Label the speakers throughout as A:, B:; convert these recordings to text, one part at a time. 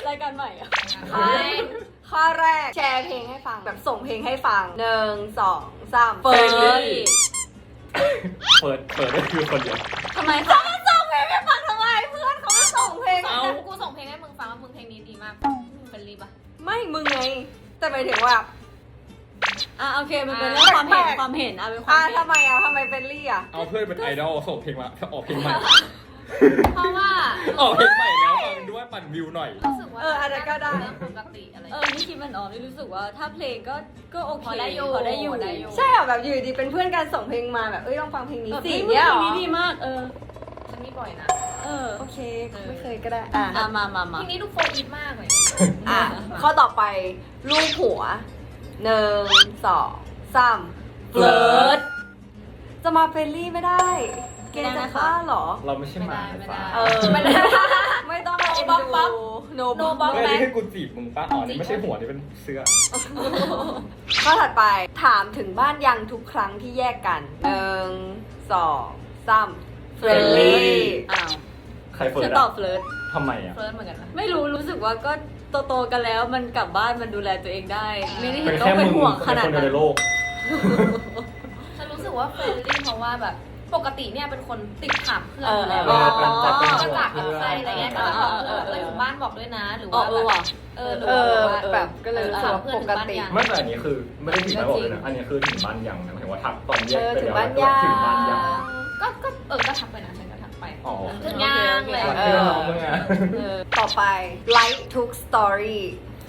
A: รายการใหม่อะ
B: ข้อแรกแชร์เพลงให้ฟังแบบส่งเพลงให้ฟัง1 2 3
A: เฟิร์น
C: เปิดได้คือคนเดียว
A: ทำไม
B: เขา
A: คะ
B: มาส่งเพลงให้ฟังทำไมเพื่อนเขาไม่ส่งเพลง
D: เอากูส่งเพลงให้มึงฟังว่ามึงเพลงนี้ดีมากมึงเป็นรีบอ่ะ
B: ไม่มึงไงแต่หมายถึงว่า
A: โอเคมันเป็นเรื่องความเห็นความเห็นเป็นความเห็น
B: ทำไมเป็นลี่อ่ะ
C: เอาเพื่อนเป็นไอดอลส่งเพลงมาออกเพลงใหม่
D: เพราะว่า
C: ออกเพลงใหม่แล้วฟังด้วยปั่นวิวหน่อย
D: รู้สึกว่า
B: อันนั้นก็ได้
D: เรื่องปกติอะไร
A: นี่คิดมันออกนี่รู้สึกว่าถ้าเพลงก็โอเค
D: พอได้อยู่
A: พอได้อยู่
B: ใช่เหรอแบบอยู่ดีเป็นเพื่อนกันส่งเพลงมาแบบลองฟังเพลงนี้สิ
A: เนี่
B: เนี่ย ย
A: เพ
B: เหรอ
A: ลงนี้ดีมาก
D: ฉันมีบ่อยนะ
B: โอเคไม่เคยก็ได้
A: มา
D: เพลงนี้ดูโฟร์อีทมากเลย
B: ข้อต่อไปรูปหัว1 2 3
A: เฟิร์ส
B: จะมาเฟรนลี่ไม่ได้ เกณฑ์จะฆ่าเหรอ
C: เราไม่ใช่หมา
D: ไม่ได้
B: ไม่ได้ไม่ต้องมาเอ็นดูโนบล็อก
C: เฮ้ยนี่คือกูจีบมึงป้าอ๋อนี่ไม่ใช่หัวนี่เป็นเสื้อ
B: ข้อถัดไปถามถึงบ้านยังทุกครั้งที่แยกกัน1 2 3เฟรนลี่
C: ใครเฟิร์
A: ฉั
C: ส
A: นตอ
C: อะ
A: บเฟิร์ส
C: ทำไมอะ
D: เฟิร์สเหมือนกันนะ
A: ไม่รู้สึกว่าก็โตๆกันแล้วมันกลับบ้านมันดูแลตัวเองได้ ไม่ได้เห็
C: เป็น น
A: ต้อ
C: แค่
A: งเป็
C: มึ
A: น
C: ง
A: ห่วงขนาด
C: คนเดียว
A: นั้
C: ใน
A: น
C: โลก
D: ฉันรู้สึกว่าเฟรนลี่เพราะว่าแบบปกติเนี่ยเป็นคนติดถามเพื่อนอยู่แล้ว
C: เป็นจัดเป็น
D: จะ
C: ห่ว
D: จาง ก
C: เพื่
D: กับ
C: อน
D: ใครอะไรเงี้ยก็จะบอกเพื่อนถึงบ้านบอกด้วยนะหรือ
A: อ๋อ
D: ว่า
B: แบบก็เลยรู้สึกว่าปกติ
C: ไม่แต่อันนี้คือไม่ได้ถึงบ้านบอกเลยนะอันนี้คือถึงบ้านยังนะหมายถึงว่าทักตอนแยกไป
B: ถึง
C: แล้ว
B: บ้านยัง
C: ถึงบ้านยัง
D: ก็ก็ทักไปนะฉันก็ทักไป
C: อ๋อ
D: ถึงยังเลย
C: รักเพื่อนน้องมึงอะ
B: ต่อไป like ทุก story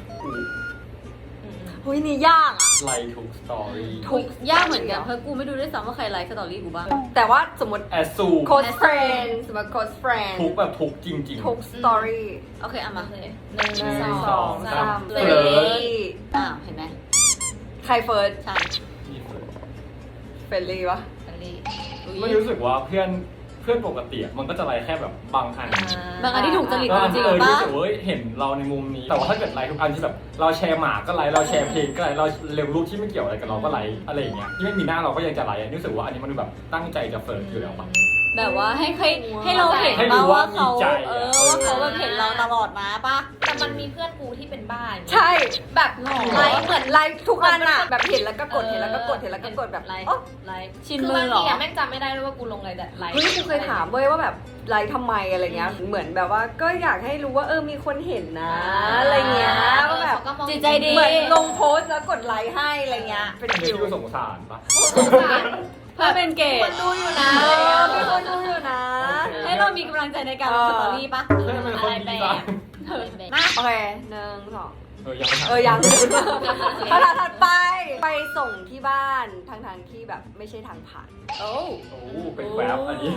B: หุยนี่ยากอ่ะ
C: ไลค์ทุกสตอรี่
B: ทุก
A: ยากเหมือนกันเพราะกูไม่ดูด้วยซ้ำว่าใครไลค์สตอรี่กูบ้าง
B: แต่ว่าสมมติ
C: แอสซู
B: close friend สมมติ close friend
C: ทุกแบบทุกจริง
B: ทุก story
A: โอเคเอามา
D: เลย
B: หนึ่ง
D: สอง
B: สาม
D: เฟ
B: เฟ
D: ร
B: ร
D: น
B: น
D: ลี่
B: ลี่
A: เห็นไหม
B: ใครเฟิร์ส
A: ใช่
C: นี่เฟิร์ส
B: เฟรนลี่วะ
D: เฟรนลี่
C: ไม่รู้สึกว่าเพื่อนปกติอะมันก็จะไลค์แค่แบบบางอัน
A: บางอันที่ถูกจริต
C: บางอัน
A: จริ
C: ที่
A: ง
C: รู้
A: ปะ
C: สึกว่าเห็นเราในมุมนี้ แต่ว่าถ้าเกิดไลค์ทุกอันที่แบบเราแชร์หมาก็ไลค์เราแชร์เพลงก็ไลค์เราเร็วรูปที่ไม่เกี่ยวอะไรกับเราก็ไลค์อะไรอย่างเงี้ยที่ไม่มีหน้าเราก็ยังจะไลค์รู้สึกว่าอันนี้มันแบบตั้งใจจะเฟิร์สอยู่แล้วปะ
A: แบบว่าให้เราเห็น
C: ให้รู้
A: ว่า
C: ว่า
A: เขา
C: มีใจอะ
A: ว่าเขาแบบเห็นเราตลอดมาปะ
D: แต่มันมีเพื่อนกูที่เป็นบ้า
B: ใช่
D: แบบ
A: หรอ
D: ไลค์เหมือน
B: ไลค์ทุกอันอ่ะ แบบเห็นแล้วก็กดเห็นแล้วก็กดเห็นแล้วก็กดแบบ
D: ไลค์
B: โอ๊ะ
D: ไลค์
A: ชิน
D: คือ
A: มื
D: บา
A: อง เหร
D: ที
A: อ
D: แม่งจำไม่ได้ด้วยว่ากูลงอะไรแต่ไลค์
B: เฮ้ยกูเคยถามเว้ยว่าแบบไลค์ทำไมอะไรเงี้ยเหมือนแบบว่าก็อยากให้รู้ว่ามีคนเห็นนะอะไรเงี้ยว่าแบบ
A: จิตใจดี
B: เหมือนลงโพสต์แล้วกดไลค์ให้อะไรเงี้ยเป็น
C: อันนี้
B: ฟิล
C: ที่สงสารปะ
D: สงสาร
A: เพื่อเป็นเก
D: ค
A: ต
D: นดูอยู่นะ
B: มีคนดูอยู่นะ
A: ให้เรามีกำลังใจในการลงสตอรี่ปะ
C: เพื่อนเป็นคนดีจัง
A: นะ
B: โอเคหนึ่งสอง
C: ยังไม่ถาม
B: ยังคำถามถัดไปไปส่งที่บ้านทางที่แบบไม่ใช่ทางผ่าน
A: โอ้
C: โอ้เป็นแวบอันนี้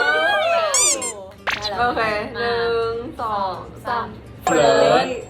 A: ได้แล้ว
B: โอเคหนึ่งสองสาม
C: เฟิร์ส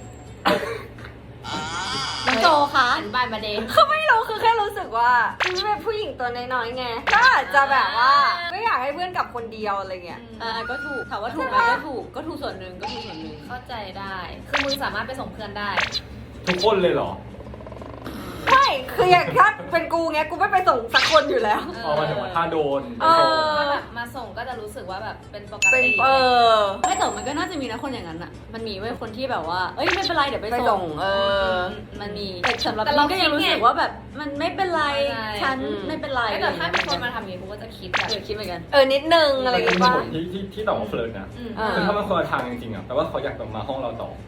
A: น้องโจคะ
D: หันบ้านมาเดย์
B: เขาไม่รู้คือแค่รู้สึกว่าคือเป็นผู้หญิงตัวน้อยๆไงก็อาจจะแบบว่าไม่อยากให้เพื่อนกลับคนเดียวอะไรเงี้ย
A: ก็ถูกถามว่าถูกไหมก็ถูกส่วนหนึ่งก็ถูกส่วนหนึ่ง
D: เข้าใจได้ คือมึงสามารถไปส่งเพื่อนได้
C: ทุกคนเลยเหรอ
B: ไม่คืออย่างถ้าเป็นกูเงี้ยกูไม่ไปส่งสักคนอยู่แล้ว
C: พอมาถึงว่าถ้าโดน
D: ถ้าแบบมาส่งก็จะรู้สึกว่าแบบเป็นปก
B: เป็น
D: ติ
A: ไม่แต่มันก็น่าจะมีนะคนอย่างนั้นอ่ะมันมีไว้คนที่แบบว่าเอ้ยไม่เป็นไรเดี๋ยวไป
B: ไป
A: ส่
B: ส่
A: ง
B: ง
A: มันมีแต่สำหรับนี่ก็ยังรู้สึกว่าแบบมันไม่เป็นไรฉันไม่เป็นไร
D: ถ้าเกิดถ้ามีคนมาทำอย่างนี้กูก็จะคิดแบบ
A: คิดเหมือนกัน
B: นิดนึงอะไรอย่าง
C: มี
B: เงี้ยป่ะ
C: ผลที่ตอบว่าเฟิร์สนะ
B: เออ
C: คือถ้ามันคนละทางจริงๆอ่ะแปลว่าเขาอยากมาห้องเราต่อ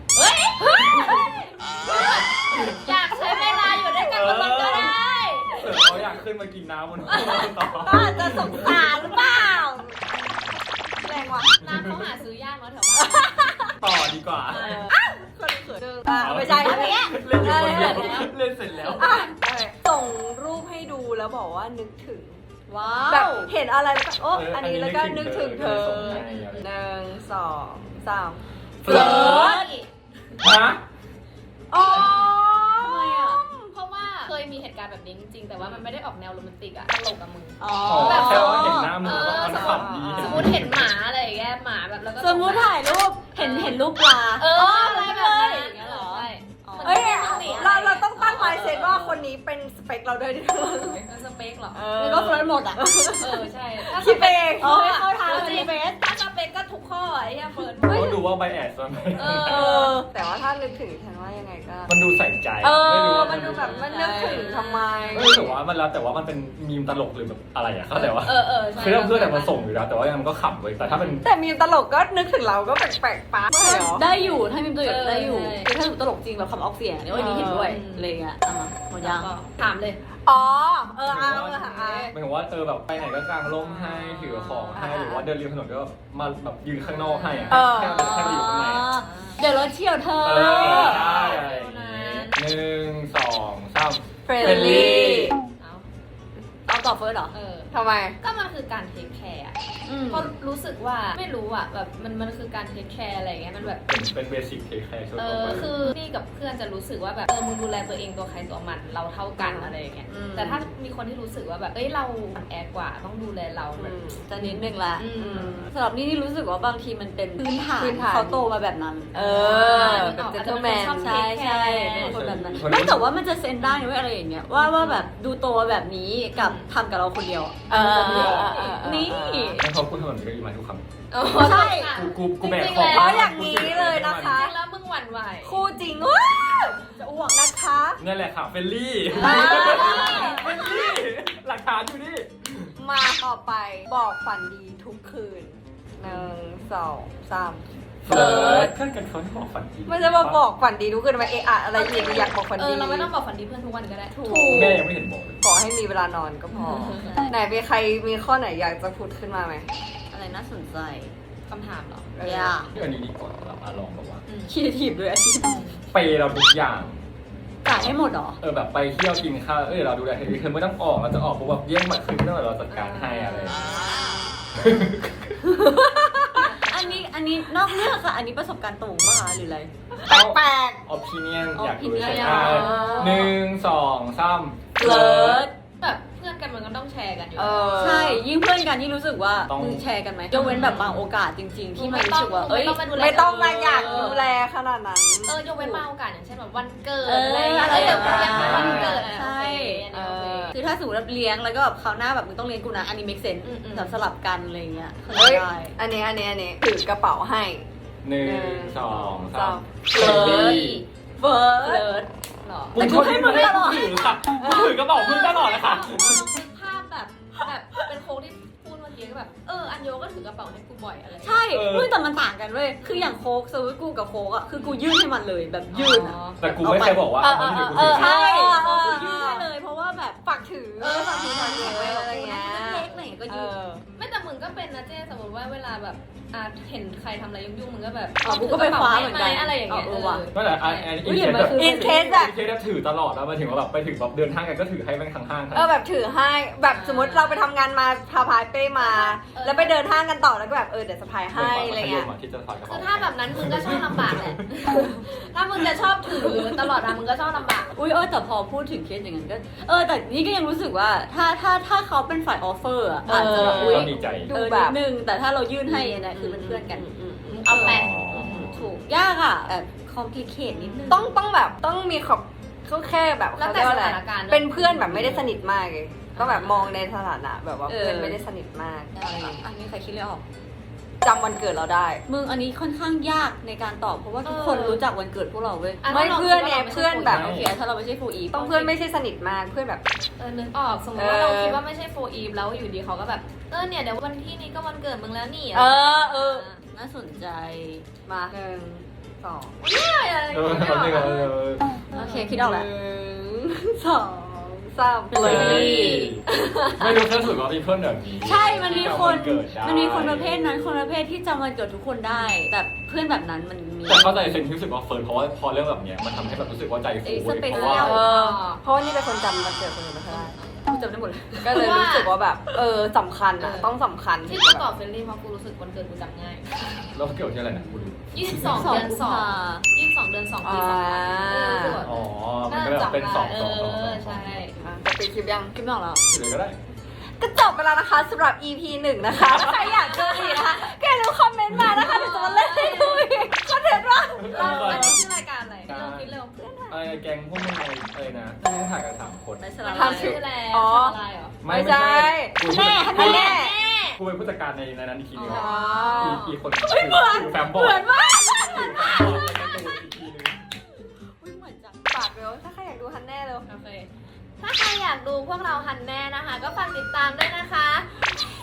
D: อยากใช้เวลาอยู่ด้วยกันมันก็ได้
C: เขาอยากขึ้นมากินน้ำบนห้องเราต่อ
B: ก็อาจจะสงสารหรือเปล่าแรงว่ะ
D: ร้านเขาหาซื้อยากเนาะแถวบ้าน
C: ต่อดีกว่า
B: คนเขินไม่ใช่อันเนี้ย
C: เล่นอยู่คนเดียวเล่นเสร็จแล้ว
B: ส่งรูปให้ดูแล้วบอกว่านึกถึง
A: ว้า
B: แบบ
A: ว
B: เห็นอะไรแล้วก็อันนี้แล้วก็นึกถึงเธอหนึ่งสองสาม
C: เฟิร์สฮะ
B: อ๋อ
A: ทำไมอ่ะ
D: เพราะว่าเคยมีเหตุการณ์แบบนี้จริงๆแต่ว่ามันไม่ได้ออกแนวโรแมนติกอะตลกกับมึง
A: อ๋อ
C: แบบแค่ว่าเห็นหน้ามึงแล้วมันขำดี
D: สมมติเห็นหมาอะไรอย่างเงี้ยหมาแบบแล้วก็
A: สมมติถ่ายรูปเห็นรูปปลา
D: อะไรแบบนั้นอย่างเงี้ยเหรอใช่
B: เฮ้ยเราต้องตั้งไมซ์เซตว่าคนนี้เป็นสเปคเราด้วยดิ
D: มันสเปคเหรอ
A: แล้วก็เฟิร์สหมดอ่ะ
D: ใช่
B: คิดเอง
A: อ๋อให้เข้าทางในเฟซ
D: ถ้าสเปคก็ทุกข้อไอ้เหี้ยเฟิร์น
C: เขาดูว่าไบแอสมัน
B: แต่ว่าถ้านึกถึงฉันว่ายังไงก็
C: มันดูใส่ใจ
B: ไม่รู้ว่า
C: มั
B: มันดูแบบมันนึกถึงทำไม
C: ไม่รู้สึกว่ามันแล้วแต่ว่ามันเป็นมีมตลกหรือแบบอะไรอะเข้าใจว่า
D: ใช่
C: คือเพื่อนแต่มาส่งอยู่แล้วแต่ว่ามันก็ขำเว้ยแต่ถ้าเป็น
B: แต่มีตลกก็นึกถึงเราก็แปลกๆปั๊บเลยเหรอ
A: ได้อยู่ถ้ามีตัวอย่างได้อยู่คือถ้าตลกจริงแบบคำออกเสียงเนี่ยวันนี้เห็นด้วยอะไรเงี้ยหมดยัง
D: ถามเลย
B: อ๋อ
C: หมายถึงว่าแบบไปไหนก็กางร่มให้ถือของให้หรือว่าเดินริมถนนก็มาแบบยืนข้างนอกให้อะแค่ไปอยู่ข้างใน
A: เดี๋ยวรถเชี่ยวเธอ
C: ใช่อะไรอย่างงี้1 2 3
B: เฟรนลี่
A: เอาต่อเฟิร์สเหรอ
B: ทำไม
D: ก็มันคือการเทคแคร์เพราะรู้สึกว่าไม่รู้อ่ะแบบมันคือการเทคแคร์อะไรอย่างเงี้ยมันแบบ
C: เป็นเบสิกเทคแคร์ช่วยตัวไป
D: คือนี่กับเพื่อนจะรู้สึกว่าแบบมึงดูแลตัวเองตัวใครตัวมันเราเท่ากันอะไรอย่างเงี้ยแต่ถ้ามีคนที่รู้สึกว่าแบบเราอ่อนแอกว่าต้องดูแลเราแบบ
A: จะนิดนึงละสำหรับนี่รู้สึกว่าบางทีมันเป็นพื้นฐานเขาโตมาแบบนั้น
B: แบบเจนเทลแมน
A: ใช่ใช่เป็นคนแบบนั้นไม่แต่ว่ามันจะเซนได้ด้วยอะไรอย่างเงี้ยว่าแบบดูโตแบบนี้กับทำกับเราคนเดียวนี่
C: ให้เขาพูดถนนก็อีมาทุกคำ
A: ใช่
C: กูแบก
D: จริงๆ
C: ของ
D: แล้ว
B: อย่างนี้เลยนะคะ
D: จริงแล้วมึงหวั่นไหว
B: คู่จริงว้าวจะอ้วกนะคะ
C: นี่แหละค่ะเฟลลี่เฟลลี่หลักฐานอยู่นี่
B: มาต่อไปบอกฝันดีทุกคืน1 2 3
C: เฟิร์สเพื่อนกันเขาให้บอกฝันดี
B: ไม่ใช่มาบอกฝันดีทุกคืนมาอะไรอยากบอกฝันดี
D: เราไม่ต้องบอกฝันดีเพื่อนทุกวันก็ได้
B: ถูก
C: แม่ยังไม่เห็นบอกเลย
B: ขอให้มีเวลานอนก็พอ ไหนมีใครมีข้อไหนอยากจะพูดขึ้นมาไหม
A: อะไรน่าสนใจ
D: คำถามเหรอ
A: ยาก
C: อันนี้ดีกว่าเราลองแบบว่า
A: คิดถีบด้วยอาชีพ
C: เปย์เราทุกอย่าง
A: จ่ายให้หมดหรอ
C: แบบไปเที่ยวกินข้าวเราดูแลเธอคือไม่ต้องออกเราจะออกเพราะแบบแย่งบัตรคืนไม่ต้องเราจัดการให้อะไร
A: อันนี้นอกเรื่องค่ะ อันนี้ประสบการณ์ตรงป่ะคะหรืออะไร
B: แปลก
C: ออปิเนียนอยากรู้
A: opinion
C: ใช่1 2 3
A: เลิศ
D: แบบเพื่อนกันมันก็ต้องแชร์กันอยู่
A: ใช่ยิ่งเพื่อนกันยิ่งรู้สึกว่า
C: ต้อง
A: มึงแชร์กันไหมยกเว้นแบบบางโอกาสจริง ๆ ที่มันรู้สึกว่า
B: ไม่ต้องมาอยากดูแลขนาดนั้น
D: ยกเว้นบางโอกาสอย่างเช่นแบบวันเกิด
A: อะไรอย่างเงี้ย
D: เดี๋ยวกูเลี้ยงวันเกิด
A: ใช่ คือถ้าสมมติว่าเลี้ยงแล้วก็แบบคราวหน้าแบบมึงต้องเลี้ยงกูนะอันนี้ make sense แบบสลับกันอะไรเงี้ย
B: เฮ้ย
A: ได้
B: อันนี้ถือกระเป๋าให้
C: 1 2 3
B: เฟิร์ส
A: เฟิร์ส
D: หรอ
A: แต่กูให้มึงตลอด
C: ถือค่ะถือกระเป๋ามึงตลอดเลยค่ะ
D: ภาพแบบเป็นโค้ดที่พูดเมื่อกี้ก็แบบอันโยก็ถือกระเป๋าให้กูบ่อยอะไร
A: ใช่เฮ้ยแต่มันต่างกันเว้ยคืออย่างโค้กสมมติกูกับโค้กอ่ะคือกูยื่นให้มันเลยแบบยื่นอ่ะ
C: แต่กูไม่เคยบอกว่าเอามันถือกูถือ
A: ใช่
B: เออ
A: คือยื่นให้เลยเพราะว่าแบบ
B: ฝากถือ
A: ฝากถือฝากถือไว้แบบ
B: อะไร
A: กู
B: เงี้
A: นะ
B: ย
A: เล็กๆหน่อยก็ยื่น
D: ไม่แต่มึงก็เป็นนะเจ๊สมมติว่าเวลาแบบเห็นใครทำอะไรยุ่งๆมึงก็แบบ
A: กูก็ไปคว้าเหมือนกัน
D: อะไรอย่างเงี้ย
A: ว่ะ
C: ไม่แต่อันนี้
A: อุ๊ยเห็นไหมคือ
B: อินเคสอะ
C: ถือตลอดแล้วมาถึงว่าแบบไปถึงแบบเดินห้างกันก็ถือให้แม่งทั้งห้าง
B: แบบถือให้แบบสมมติเราไปทำงานมาพาพายเป้มา แล้วไปเดินห้างกันต่อแล้วก็แบบเดี๋ยวสะพายให้อะไรเงี้ย
C: ที่จะถอดกระ
D: คื
C: เป๋า
D: อถ้าแบบนั้นมึงก็ชอบลำบากแหละ ถ้ามึงจะชอบถือตลอดมึงก็ชอบลำบาก
A: อุ้ยแต่พอพูดถึงเคสอย่างนั้นก็แต่นี่ก็ยังรู้สึกว่าถ้าเขาเป็นฝ่ายออฟเฟอร์อ่ะอาจจะแบบอุ้ย
C: ต้องดีใจ
A: นิดนึงแต่ถ้าเรายื่นให้อันนี้คือเป็นเพื่อนกัน
D: เอาแปะ
A: ถูกยากอ่ะแบบคอมพลีเคทนิดนึง
B: ต้องแบบต้องมีขอบเขาแค่แบบ
D: แล้ว
B: เขา
D: แต่
B: เรียกว่า
D: ส
B: อะไร
D: ถานการณ์
B: เป็นเพื่อนแบบไม่ได้สนิทมากเลยต้องแบบมองในสถานะแบบว่าเพื่อนไม่ได้สนิทมาก
A: อันนี้ใครคิดเลยออก
B: จำวันเกิดเราได้
A: มึงอันนี้ค่อนข้างยากในการตอบเพราะว่าทุกคนรู้จักวันเกิดพวกเราเว้ย
B: ไม่เพื่อนเนี่ยเพื่อนแบบ
A: โอเคถ้าเราไม่ใช่ฟูอีฟ
B: ต้องเพื่อนไม่ใช่สนิทมากเพื่อนแบบ
D: นึกออกสมมติว่าเราคิดว่าไม่ใช่โฟอีฟแล้วอยู่ดีเขาก็แบบเนี่ยเดี๋ยววันที่นี้ก็วันเกิดมึงแล้วนี่
A: น่าสนใจ
B: มา1 2
D: อะไร
A: โอเคคิดออกแล้ว
B: 1 2 3
A: เลย
C: ไม่รู้แค่สุดว่ามีเพื่อนแบบนี้
A: ใช่ มันมีคน
C: เกิดได้
A: มันมีคนประเภทนั้น คนประเภทที่จำวันเกิดทุกคนได้ แต่เพื่อนแบบนั้นมันมี
C: แต่เข้าใจเซนที่รู้สึกว่าเฟิร์นเพราะว่าพอเรื่องแบบเนี้ยมันทำให้แบบรู้สึกว่าใจฟู
A: สเป
C: เพ
A: เชี
C: ราะ
A: ย
C: ว่า
A: ล
B: เพราะว่านี่เป็นคนจำวันเกิดคนอื่นไม่ค่อยได้
A: กูจำได้หมดเลย
B: ก็เลยรู้สึกว่าแบบสำคัญอะต้องสำคัญ
D: ที่กูตอบเฟรนลี่เพราะกูรู้สึกวันเกิดกูจำง่าย
C: แล้วเกี่ยวที่อะไรนะกูดู
D: 22 เดือน 2 22 เดือน 2 ปี 2000รู้สึกว่า
C: อ๋อมันก็แบบเป็น2
D: ใช่
B: จะไปคลิปยัง
A: คิดไม่ออกแล้ว
C: เลยก็ได้
B: ก็จบไปแล้วนะคะสำหรับ EP 1 นะคะถ้าใครอยากดูอีกนะคะแค่รู้คอมเมนต์มานะคะเดี๋ยวจะมาเล่นให้ดูอีกคอนเทนต์ว่า
D: อันนี้ชื่อรายการอะไรเริ่มคิดเร็ว
C: อะไรแกงพวกมึงอะไรนะที่ถ่ายกัน3 คน
A: ในสลับ
D: ทำชื่อแล้วอะไรเหรอ
B: ไม่ใช่
C: แม่
B: อันแน่
C: กูเป็นผู้จัดการในนั้นอีกทีนึง
B: อ๋อ
C: อีกคนถือแฟ้มบอร์ด
A: เหมือนมาก
C: ถือแฟ้มบอร์ดในการ์ตูนอีกทีนึง
A: อุ๊ยเหมือนจัง
B: ฝากเร็วถ้าใครอยากดูฮันแน่เร็ว
D: โอเค ถ้าใครอยากดูพวกเราฮันแน่นะคะ ก็ฝากติดตามด้วยนะคะ